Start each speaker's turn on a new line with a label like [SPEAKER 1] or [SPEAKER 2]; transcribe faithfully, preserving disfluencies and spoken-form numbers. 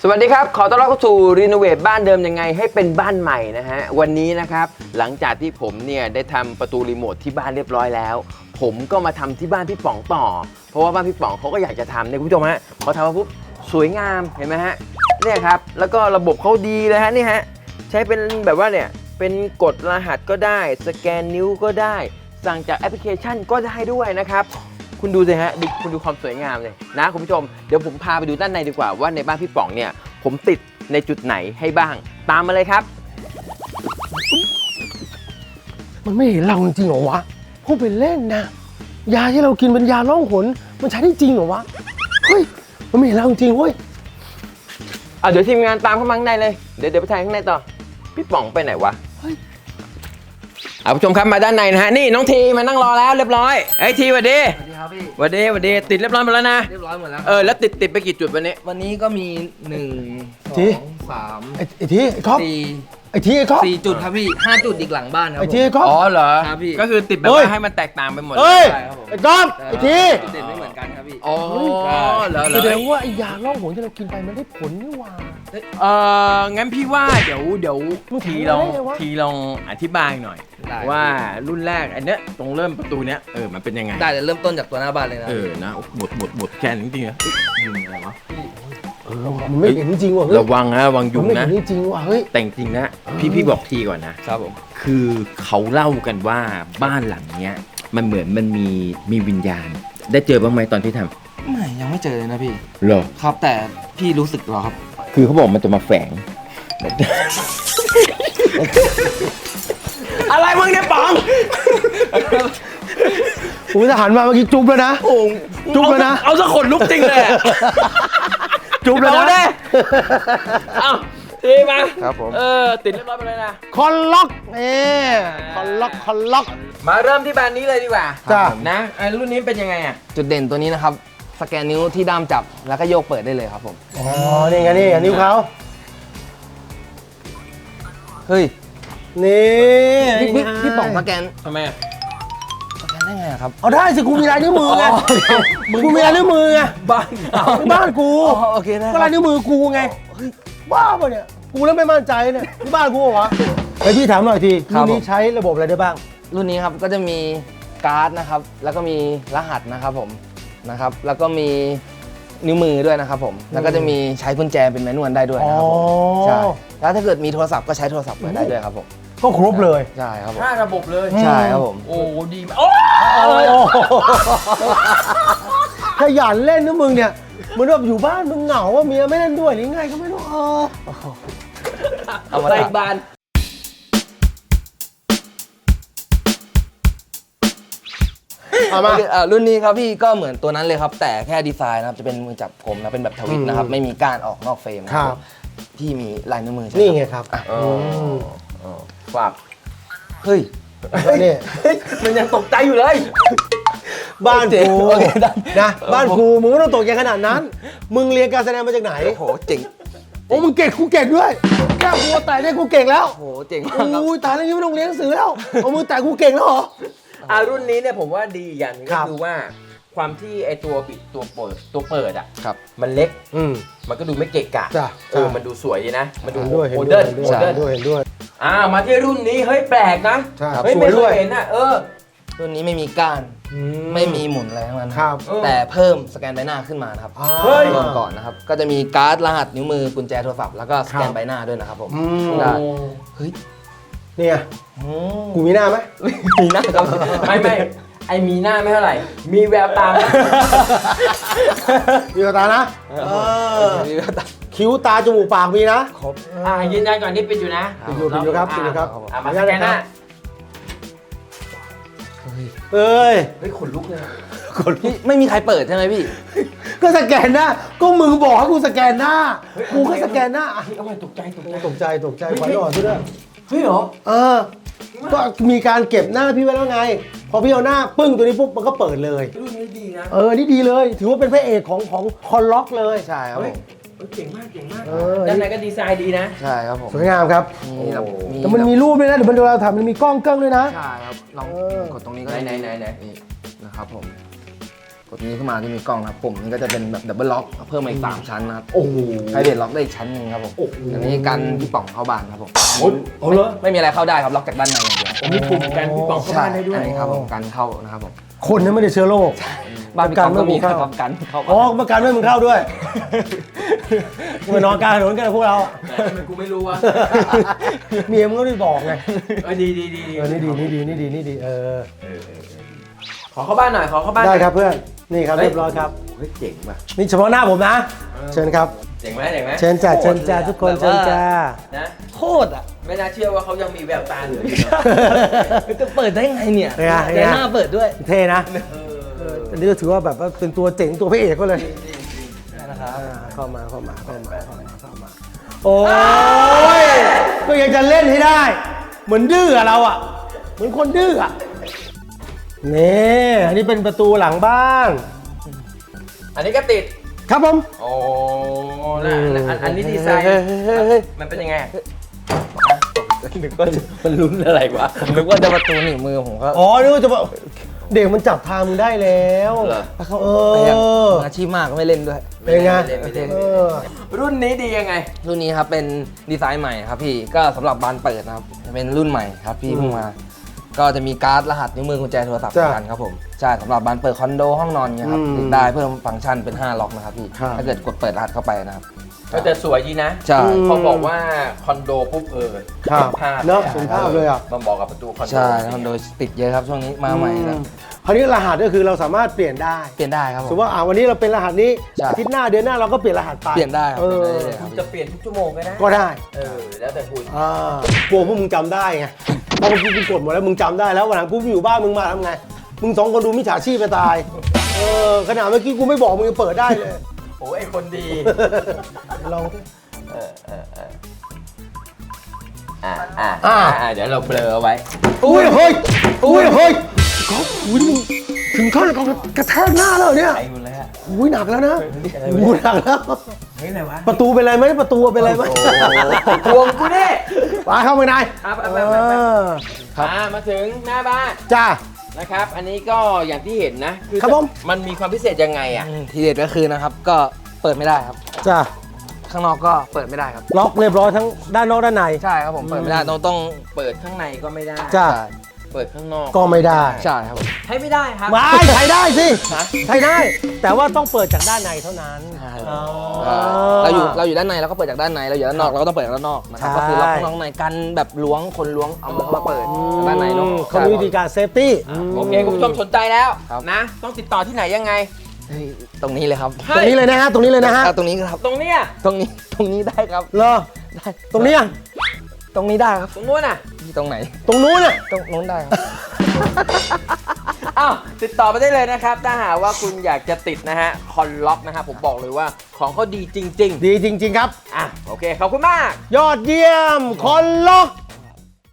[SPEAKER 1] วัสดีครับขอต้อนรับเข้าสู่รีโนเวทบ้านเดิมยังไงให้เป็นบ้านใหม่นะฮะวันนี้นะครับหลังจากที่ผมเนี่ยได้ทำประตูรีโมทที่บ้านเรียบร้อยแล้วผมก็มาทำที่บ้านพี่ป๋องต่อเพราะว่าบ้านพี่ป๋องเขาก็อยากจะทำเนี่ยคุณผู้ชมฮะพอทำมาปุ๊บสวยงามเห็นไหมฮะเนี่ยครับแล้วก็ระบบเขาดีเลยฮะนี่ฮะใช้เป็นแบบว่าเนี่ยเป็นกดรหัสก็ได้สแกนนิ้วก็ได้สั่งจากแอปพลิเคชันก็ได้ด้วยนะครับคุณดูสิฮะดูคุณดูความสวยงามเลยนะคุณผู้ชมเดี๋ยวผมพาไปดูด้านในดีกว่าว่าในบ้านพี่ป๋องเนี่ยผมติดในจุดไหนให้บ้างตามมาเลยครับ
[SPEAKER 2] มันไม่เห็นเราจริงเหรอวะพูดเป็นเล่นนะยาที่เรากินเป็นยาล่องหนมันใช้ได้จริงเหรอวะเฮ้ยมันไม่เห็นเราจริงเว้ย
[SPEAKER 1] อ่ะเดี๋ยวทีมงานตามเข้ามาข้างในเลยเดี๋ยวเดี๋ยวไปถ่ายข้างในต่อพี่ป๋องไปไหนวะเฮ้ยเอาผู้ชมครับมาด้านในนะฮะนี่น้องทีมานั่งรอแล้วเรียบร้อยไอ้ทีสวัสดี
[SPEAKER 3] สวัสดีครับพี่
[SPEAKER 1] สวัสดีสวัสดีติดเรียบร้อยหมดแล้วนะ
[SPEAKER 3] เรียบร้อยหมดแล้ว
[SPEAKER 1] เออแล้วติดติดไปกี่จุดวันนี้
[SPEAKER 3] วันนี้ก็มีหนึ่งสองสาม
[SPEAKER 2] ไอ้ไอ้ทีไอ้ก๊อฟ
[SPEAKER 3] สี่
[SPEAKER 2] ไอ้ทีไอ้ก๊อฟ
[SPEAKER 3] สี่จุดครับพี่ห้าจุดอีกหลังบ้านครับ
[SPEAKER 2] ไอ้
[SPEAKER 3] ผม
[SPEAKER 2] ทีไอ้ก๊อฟ
[SPEAKER 1] อ๋อเหรอ
[SPEAKER 3] ครับพี่
[SPEAKER 1] ก็คือติดแบบ
[SPEAKER 2] เฮ้ย
[SPEAKER 1] ว่าให้มันแตกต่างไปหมด
[SPEAKER 2] เฮ้ย
[SPEAKER 3] ใช่ครับผม
[SPEAKER 2] ไอ้ก๊อฟไอ้ที
[SPEAKER 3] จุดเด่นไม่เหมือนกันครับพี่
[SPEAKER 1] อ๋อเหรอเหร
[SPEAKER 2] แส
[SPEAKER 1] อ
[SPEAKER 2] ดงว่าไอ้ยาล่องหนที่เรากินไปมันได้ผลนี่หว่า
[SPEAKER 1] เอองั้นพี่ว่าเดี๋ยวเดี๋ยว
[SPEAKER 2] มึง
[SPEAKER 1] ที
[SPEAKER 2] ทำ
[SPEAKER 1] ลอง
[SPEAKER 2] ได้ไงวะ
[SPEAKER 1] ทีลองอธิบายหน่อย
[SPEAKER 3] ได้
[SPEAKER 1] ว่ารุ่นแรกอันเนี้ยตรงเริ่มประตูเนี้ยเออมันเป็นยังไง
[SPEAKER 3] ได้แต่เริ่มต้นจากตัวหน้าบ้านเลยนะ
[SPEAKER 1] เออนะหมดหมดหมดแค่นี้จริงๆนะยิงอะไรวะ
[SPEAKER 2] เออมันไม่เห็นจริงว่ะเฮ้ย
[SPEAKER 1] ระวังนะระวังยุ
[SPEAKER 2] มัน
[SPEAKER 1] ง
[SPEAKER 2] ไม่
[SPEAKER 1] นะ
[SPEAKER 2] เห็นจริงว่ะเฮ้ย
[SPEAKER 1] แต่จริงๆนะพี่พี่บอกทีก่อนนะครับ
[SPEAKER 3] ผม
[SPEAKER 1] คือเขาเล่ากันว่าบ้านหลังเนี้ยมันเหมือนมันมีมีวิญญาณ ได้เจอบ้างไหมตอนที่ทำ
[SPEAKER 3] ไม่ยังไม่เจอเลยนะพี่
[SPEAKER 1] เหรอ
[SPEAKER 3] ครับแต่พี่รู้สึกเหรอครับ
[SPEAKER 1] คือเขาบอกมันจะมาแฝง อะไรมึงเนี่ยป๋อง
[SPEAKER 2] กูจะหันมาเมื่อกี้จุ๊บแล้วนะ
[SPEAKER 1] โอ้
[SPEAKER 2] จุ๊บแล้วนะ
[SPEAKER 1] เอาสักขนลุกจริงเลยอะ
[SPEAKER 2] จุ๊บแล้ว
[SPEAKER 1] เอา
[SPEAKER 2] นะ
[SPEAKER 1] ดิเอาทีมา
[SPEAKER 3] ครับผม
[SPEAKER 1] เออติดเรียบร้อยไปเลยนะ
[SPEAKER 2] คอนล็อกเอ๊คอนล็อกคอนล็อก
[SPEAKER 1] มาเริ่มที่แบรนด์นี้เลยดีกว่า
[SPEAKER 2] จ้ะ
[SPEAKER 1] นะไอ้รุ่นนี้เป็นยังไงอ่ะ
[SPEAKER 3] จุดเด่นตัวนี้นะครับสแกนนิ้วที่ด้ามจับแล้วก็โยกเปิดได้เลยครับผม
[SPEAKER 2] อ๋อนี่ไงนี่ไงนิ้วเขา
[SPEAKER 3] เฮ้ย
[SPEAKER 2] นี่
[SPEAKER 3] พี่พี่พี่ป๋องสแกน
[SPEAKER 1] ทำไมอ่ะ
[SPEAKER 3] สแกนได้ไงอะครับ
[SPEAKER 2] เอาได้สิกูมีลายนิ้วมือไง
[SPEAKER 3] อ๋อ
[SPEAKER 2] กูมีลายนิ้วมือไง
[SPEAKER 1] บ้านเรา
[SPEAKER 2] ที่บ้านกู
[SPEAKER 3] อ๋อโอเคได้ค
[SPEAKER 2] ก็
[SPEAKER 3] รั
[SPEAKER 2] ลายนิ้วมือกูไงบ้าปะเนี่ยกูเริ่มไม่มั่นใจเนี่ยที่บ้านกูเหรอวะไอพี่ถามหน่อยทีรุ่นนี้ใช้ระบบอะไรได้บ้าง
[SPEAKER 3] รุ่นนี้ครับก็จะมีการ์ดนะครับแล้วก็มีรหัสนะครับผมนะครับแล้วก็มีนิ้วมือด้วยนะครับผมแล้วก็จะมีใช้กุญแจเป็นแมนนวลได้ด้วยนะครับผม
[SPEAKER 2] อ๋อ
[SPEAKER 3] ใช่แล้วถ้าเกิดมีโทรศัพท์ก็ใช้โทรศัพท์เปิดได้ด้วยครับผม
[SPEAKER 2] ก็ครบเลย
[SPEAKER 3] ใช่ครับผม
[SPEAKER 1] ห้าระบบเลย
[SPEAKER 3] ใช่ครับผม
[SPEAKER 1] โอ้ดีมากโอ้
[SPEAKER 2] ขยันเล่นนะมึงเนี่ยเหมือนแบบอยู่บ้านมึงเหงาว่าเมียไม่เล่นด้วยหรือไงก็ไม่รู้เออ
[SPEAKER 3] เอามา
[SPEAKER 1] ใส่
[SPEAKER 3] ตัด
[SPEAKER 1] บาน
[SPEAKER 2] เอามา
[SPEAKER 3] โอเคอ่ารุ่นนี้ครับพี่ก็เหมือนตัวนั้นเลยครับแต่แค่ดีไซน์นะครับจะเป็นมือจับกลมนะเป็นแบบทวิตนะครับไม่มีก้านออกนอกเฟรมนะครับผมที่มีลายนิ้วมือใช่ไหม
[SPEAKER 2] นี่ไงครับ
[SPEAKER 1] อ๋ออ๋อฝาก
[SPEAKER 3] เฮ้ย
[SPEAKER 2] นี่
[SPEAKER 1] มันยังตกใจอยู่เลย
[SPEAKER 2] บ้านกู
[SPEAKER 3] โอเคได้
[SPEAKER 2] นะบ้านกูมึงไม่ต้องตกใจขนาดนั้น มึงเรียนการแสดงมาจากไหน
[SPEAKER 3] โอ้โหเจ๋ง
[SPEAKER 2] โอ้มึงเก่งกูเก่งด้วยแค่กูแต่ได้กูเก่งแล้ว
[SPEAKER 3] โอ้โหเจ๋งมากครับ
[SPEAKER 2] โอ้ยตายแล้วยังไม่ต้องเรียนหนังสือแล้วเอามือแต่กูเก่งแล้วเหรอ
[SPEAKER 1] อ่ารุ่นนี้เนี่ยผมว่าดีอย่างหนึง
[SPEAKER 2] ครั
[SPEAKER 1] ก็
[SPEAKER 2] บ
[SPEAKER 1] คือว่าความที่ไอตัวปิดตัวเปิดตัวเปิดอ่ะ
[SPEAKER 3] ครับ
[SPEAKER 1] มันเล็ก
[SPEAKER 2] อืม
[SPEAKER 1] มันก็ดูไม่เกะกะ
[SPEAKER 2] จ้ะ
[SPEAKER 1] เออ
[SPEAKER 2] ใช่
[SPEAKER 1] มันดูสวยดีนะ มันดู
[SPEAKER 2] เห็นด้วยเห็
[SPEAKER 1] โม
[SPEAKER 2] นด้
[SPEAKER 1] เดิ
[SPEAKER 2] วย
[SPEAKER 1] ร์น
[SPEAKER 2] เห็น
[SPEAKER 1] โม
[SPEAKER 2] ด้วย
[SPEAKER 1] เดิร์น
[SPEAKER 2] เห็นด้วย
[SPEAKER 1] อ่ามาที่รุ่นนี้เฮ้ยแปลกนะ
[SPEAKER 2] ใช่
[SPEAKER 1] เฮ้ย
[SPEAKER 2] สว
[SPEAKER 1] ไม่
[SPEAKER 2] ย
[SPEAKER 1] เค
[SPEAKER 2] ด้วย
[SPEAKER 1] ยเห็นอ่ะเออ
[SPEAKER 3] รุ่นนี้ไม่มีก้าน
[SPEAKER 2] อื
[SPEAKER 3] ไม่มีหมุนอะไรทั้งนั้น
[SPEAKER 2] ครับ
[SPEAKER 1] เออ
[SPEAKER 3] แต่เพิ่มสแกนใบหน้าขึ้นมานะครับ
[SPEAKER 2] อ่า
[SPEAKER 1] เฮ้ย
[SPEAKER 3] เริ่มก่อนนะครับก็จะมีการ์ดรหัสนิ้วมือกุญแจโทรศัพท์แล้วก็สแก
[SPEAKER 2] ครั
[SPEAKER 3] น
[SPEAKER 2] บ
[SPEAKER 3] ใบหน้าด้วยนะครับผม
[SPEAKER 2] อืม
[SPEAKER 3] ได้เฮ้ย
[SPEAKER 2] เนี่ย
[SPEAKER 3] อืม
[SPEAKER 2] กูมีหน้าไหม
[SPEAKER 3] มีหน้าครับ
[SPEAKER 1] ไม่ไม่ไอมีหน้าไม่เท่าไหร่ มีแววตา
[SPEAKER 2] มีตานะเออ
[SPEAKER 3] มีหน้าตา
[SPEAKER 2] คิ้วตาจมูกปากมีนะ
[SPEAKER 3] ครบ
[SPEAKER 1] อ่ายืนยันก่อนที่ปิดอยู่นะ
[SPEAKER 2] ปิดอยู่ปิดอยู่ครับปิดอยู่ครับ
[SPEAKER 1] อ่ามาสแกนหน้า
[SPEAKER 2] เอ้ย
[SPEAKER 1] เฮ้ยขนลุกเลย
[SPEAKER 3] พี่ไม่มีใครเปิดใช่ไหมพี่
[SPEAKER 2] ก็สแกนหน้าก็มึงบอกให้กูสแกนหน้ากูก็สแกนหน้าอ่ะ
[SPEAKER 1] เฮ้ยเอาไปตกใจตกใจ
[SPEAKER 2] ตกใจตกใจขวัญอ่อนซะด้วย
[SPEAKER 1] เฮ้ยเหรอ
[SPEAKER 2] เออ ก็มีการเก็บหน้าพี่ไว้แล้วไง พอพี่เอาหน้าปึ้งตัวนี้ปุ๊บมันก็เปิดเลย
[SPEAKER 1] รุ่นนี้ดีนะ
[SPEAKER 2] เออ นี่ดีเลย ถือว่าเป็นพระเอกของของคอนล็อกเลย
[SPEAKER 3] ใช่ครับผ
[SPEAKER 1] เฮ้ย
[SPEAKER 3] ม
[SPEAKER 1] เฮ้ยเก่งมากเก่งมาก
[SPEAKER 2] เออ
[SPEAKER 1] ด้านในก็ดีไซน์ดีนะ
[SPEAKER 3] ใช่ครับผม
[SPEAKER 2] สวยงามครับ
[SPEAKER 3] มีแบบ
[SPEAKER 2] แต่มันมีรูปด้วยนะ เดี๋ยวมันเวลาทำมันมีกล้องเกิ้งด้วยนะ
[SPEAKER 3] ใช่ครับลอง
[SPEAKER 2] เออ
[SPEAKER 3] กดตรงนี้ก็
[SPEAKER 1] ไหน
[SPEAKER 3] ด้
[SPEAKER 1] ไหนไหนไหน
[SPEAKER 3] นี่นะครับผมกดนี้ขึ้นมาที่มีกล้องนะครับปุ่มนี้ก็จะเป็นแบบดับเบิลล็อกเพิ่มมาอีกสามชั้นนะครับ
[SPEAKER 2] โอ้โห
[SPEAKER 3] ไพรเวทล็อกได้อีกชั้นหนึ่งครับผม
[SPEAKER 2] โอ้โห
[SPEAKER 3] อันนี้กันพี่ป๋องเข้าบ้านครับผม
[SPEAKER 2] โอ้ยเอาเลย
[SPEAKER 3] ไม่มีอะไรเข้าได้ครับล็อกจากด้านในอย่างเดียว
[SPEAKER 1] มีปุ่มกันพี่ป๋องเข้าบ้านได้ด้วย
[SPEAKER 3] อันนี้ครับผมกันเข้านะครับผม
[SPEAKER 2] คนนั้นไม่ได้เชื้อโรค
[SPEAKER 3] บ้านพี่ป๋องก็มี
[SPEAKER 2] กัน
[SPEAKER 3] ค
[SPEAKER 2] ไม่
[SPEAKER 3] รับกันเข้า
[SPEAKER 2] อ๋อประกันไม่มึงเข้าด้วยมานอนกลางถนนกันนะพวกเรา
[SPEAKER 1] ทำไมกูไม่รู้วะ
[SPEAKER 2] เมียมึงก็ได้บอกไง
[SPEAKER 1] เออดีดีดี
[SPEAKER 2] เออนี่ดีนี่ดีนี่ดีนี่ดีเออ
[SPEAKER 1] ขอเข้าบ้านหน่อยขอเข้าบ้าน
[SPEAKER 2] ได้ครับเพื่อนนี่ครับเรียบร้อยครับ
[SPEAKER 1] เฮ้ยเจ๋งว่ะ
[SPEAKER 2] นี่เฉพาะหน้าผมนะ เชิญครับ
[SPEAKER 1] เจ๋งไหมเจ๋งไหม
[SPEAKER 2] เชิญจ้าเชิญจ้าทุกคนเชิญจ้า
[SPEAKER 1] นะ
[SPEAKER 3] โคตรอ่ะ
[SPEAKER 1] ไม่น่าเชื่อว่าเขายังมีแววตาเหลืออยู่นะ
[SPEAKER 3] จะเปิดได้ไงเนี่ย
[SPEAKER 2] เป็นไงเป็นไง
[SPEAKER 3] แต่หน้าเปิดด้วย
[SPEAKER 2] เท่นะ
[SPEAKER 1] เออ
[SPEAKER 2] อันนี้ก็ถือว่าแบบว่าเป็นตัวเจ๋งตัวพระเอกก็เลย
[SPEAKER 3] นะครับ
[SPEAKER 2] อ่าเข้ามาเข้ามาเข้ามาเข้ามาเข้ามาโอ้ยก็ยังจะเล่นให้ได้ เหมือนดื้ออะเราอะเหมือนคนดื้ออะนี่อันนี้เป็นประตูหลังบ้าน
[SPEAKER 1] อันนี้ก็ติด
[SPEAKER 2] ครับผม
[SPEAKER 1] โอ้แล้วอันอันนี้ดีไซน์
[SPEAKER 2] เฮ้ยเฮ้ยเฮ้ย
[SPEAKER 1] มันเป็นยังไงนึกว่ามันลุ้นอะไรวะ
[SPEAKER 3] ผมนึกว่าจะประตูหนีบมือผมก็
[SPEAKER 2] อ๋อนึกว่าจะบอกเด็กมันจับทางมึงได้แล้ว
[SPEAKER 1] เหรอ
[SPEAKER 3] เขา
[SPEAKER 2] เอ
[SPEAKER 3] แต่ยัง
[SPEAKER 2] อ
[SPEAKER 3] มืออาชีพมากก็ไม่เล่นด้วย
[SPEAKER 2] เป็นไง
[SPEAKER 1] ไม่เล่นไม่เล่น
[SPEAKER 2] เอ
[SPEAKER 1] ไม่เล่น
[SPEAKER 2] อ
[SPEAKER 1] รุ่นนี้ดียังไง
[SPEAKER 3] รุ่นนี้ครับเป็นดีไซน์ใหม่ครับพี่ก็สำหรับบานเปิดนะครับเป็นรุ่นใหม่ครับพี่
[SPEAKER 2] อืม
[SPEAKER 3] เพิ่งมา ก็จะมีการ์ดรหัสนิ้วมือกุญแจโทรศัพท์
[SPEAKER 2] จ้ะ
[SPEAKER 3] กันครับผมใช่สำหรับบานเปิดคอนโดห้องนอนเนี่ยครับ
[SPEAKER 2] อืม
[SPEAKER 3] ติดได้เพิ่มฟังก์ชันเป็นห้าล็อกนะครับพี่
[SPEAKER 2] ครับ
[SPEAKER 3] ถ้าเกิดกดเปิดรหัสเข้าไปนะครับ
[SPEAKER 1] ก็จะสวยดีนะ
[SPEAKER 3] ใช่
[SPEAKER 1] เขาบอกว่าคอนโดปุ๊บเออ
[SPEAKER 2] ครับ
[SPEAKER 1] ภาพ
[SPEAKER 2] เนอะเห็นภาพเลยอะ
[SPEAKER 1] มันบอกกับประตูคอนโด
[SPEAKER 3] ใช่คอนโดติดเยอะครับช่วงนี้มาใหม่แล้ว
[SPEAKER 2] คราวนี้รหัสก็คือเราสามารถเปลี่ยนได้
[SPEAKER 3] เปลี่ยนได้ครับผ
[SPEAKER 2] สม
[SPEAKER 3] ม
[SPEAKER 2] มติว่าอ่าวันนี้เราเป็นรหัสนี้
[SPEAKER 3] ใช่
[SPEAKER 2] อาทิตย์หน้าเดือนหน้าเราก็เปลี่ยนรหัสไป
[SPEAKER 3] เปลี่ยนได้ครับ
[SPEAKER 2] เออ
[SPEAKER 3] เปลี่ยนได้เลยค
[SPEAKER 1] คุ
[SPEAKER 3] รับ
[SPEAKER 1] ณจะเปลี่ยนทุกชั่วโมงก็ได้
[SPEAKER 2] ก็ได้
[SPEAKER 1] เออแล้วแต่คุณ
[SPEAKER 2] อ่ากลัวพวกมึงจำได้ไงเพราะเมื่อกี้กูกดหมดแล้วมึงจำได้แล้ววันหลังกูอยู่บ้านมึงมาทำไงมึงสองคนดูมิจฉาชีพไปตายเออขนาดเมื่อกี้กูไม่บอกมึงยังเปิดได้เลย
[SPEAKER 1] โอ้ยไอคนดี
[SPEAKER 2] ลองสิ
[SPEAKER 1] เออเออเอออ่าอ่า
[SPEAKER 2] อ่า
[SPEAKER 1] อ่าเดี๋ยวเราเบลอเอาไว้
[SPEAKER 2] อุ้ยเฮ้ยอุ้ยเฮ้ยก๊อฟอุ้ยนี่มึงถึงขั้นกับกระแทกหน้าแล้วเนี่ย
[SPEAKER 1] ไอ้คุณเลยฮะ
[SPEAKER 2] อุ้ยหนักแล้วนะอุ้ยหนักแล้ว
[SPEAKER 1] เฮ้ยอะไรวะ
[SPEAKER 2] ประตูเป็นไรไหมประตูเป็นไรไหม
[SPEAKER 1] ทวงกูดิ
[SPEAKER 2] มาเข้าไปใน
[SPEAKER 1] ครับ
[SPEAKER 2] เอ
[SPEAKER 1] เอาไปเอาไป
[SPEAKER 2] อครับ
[SPEAKER 1] อ่ามาถึงหน้าบ้าน
[SPEAKER 2] จ้า
[SPEAKER 1] นะครับ อันนี้ก็อย่างที่เห็นนะอ
[SPEAKER 2] ครับผม
[SPEAKER 1] มันมีความพิเศษยังไงอ่ะ
[SPEAKER 3] อืมทีเด็ดก็คือนะครับก็เปิดไม่ได้ครับ
[SPEAKER 2] จ้า
[SPEAKER 3] ข้างนอกก็เปิดไม่ได้ครับ
[SPEAKER 2] ล็อกเรียบร้อยทั้งด้านนอกด้านใน
[SPEAKER 3] ใช่ครับผมเปิดไม่ได้ต้องต้อง
[SPEAKER 1] เปิดข้างในก็ไม่ได้
[SPEAKER 2] จ้า
[SPEAKER 3] ใช่
[SPEAKER 1] เปิดข้างนอก
[SPEAKER 2] ก็ไม่ได้
[SPEAKER 3] ใช่ครับผม
[SPEAKER 1] ใช้ไม่ได้ครับ
[SPEAKER 2] ไม่ใช้ได้สิ
[SPEAKER 1] ฮะ
[SPEAKER 2] ใช้ได้ แต่ว่าต้องเปิดจากด้านในเท่านั้น
[SPEAKER 3] ใช่
[SPEAKER 2] อ๋อ
[SPEAKER 3] เราอยู่เราอยู่ด้านในเราก็เปิดจากด้านในเราอยู่ด้านนอกเราก็ต้องเปิดจากด้านนอกนะครับ
[SPEAKER 2] ใช่
[SPEAKER 3] ก็คือล็อกข้างนอกในกันแบบล้วงคนล้วงเอามือเข้ามาเปิดจากด้านในเนาะ
[SPEAKER 2] เขามีวิธีการเซฟตี้
[SPEAKER 1] โอเคคุณผู้ชมสนใจแล้ว
[SPEAKER 3] ครับ
[SPEAKER 1] นะ ต้องติดต่อที่ไหนยังไง
[SPEAKER 3] เฮ้ยตรงนี้เลยครับ
[SPEAKER 2] ตรงนี้เลยนะฮะ ตรงนี้เลยนะฮะ
[SPEAKER 3] อ่ะตรงนี้ครับ
[SPEAKER 1] ตรงเนี้ย
[SPEAKER 3] ตรงนี้ตรงนี้ได้ครับ
[SPEAKER 2] เหรอ
[SPEAKER 3] ได้
[SPEAKER 2] ตรงนี้อ่ะ
[SPEAKER 3] ตรงนี้ได้ครับ
[SPEAKER 1] ตรงนู้นน่ะ
[SPEAKER 3] ตรงไหน
[SPEAKER 2] ตรงนู้นอ่ะ
[SPEAKER 3] ตรงนู้นได้ครับ
[SPEAKER 1] อ้าวติดต่อไปได้เลยนะครับ ถ้าหากว่าคุณอยากจะติดนะฮะคอนล็อกนะฮะผมบอกเลยว่าของเขาดีจริง
[SPEAKER 2] ดีจริง ๆ ครับ
[SPEAKER 1] ๆ อ่ะโอเค ขอบคุณมาก
[SPEAKER 2] ยอดเยี่ยม คนล็อก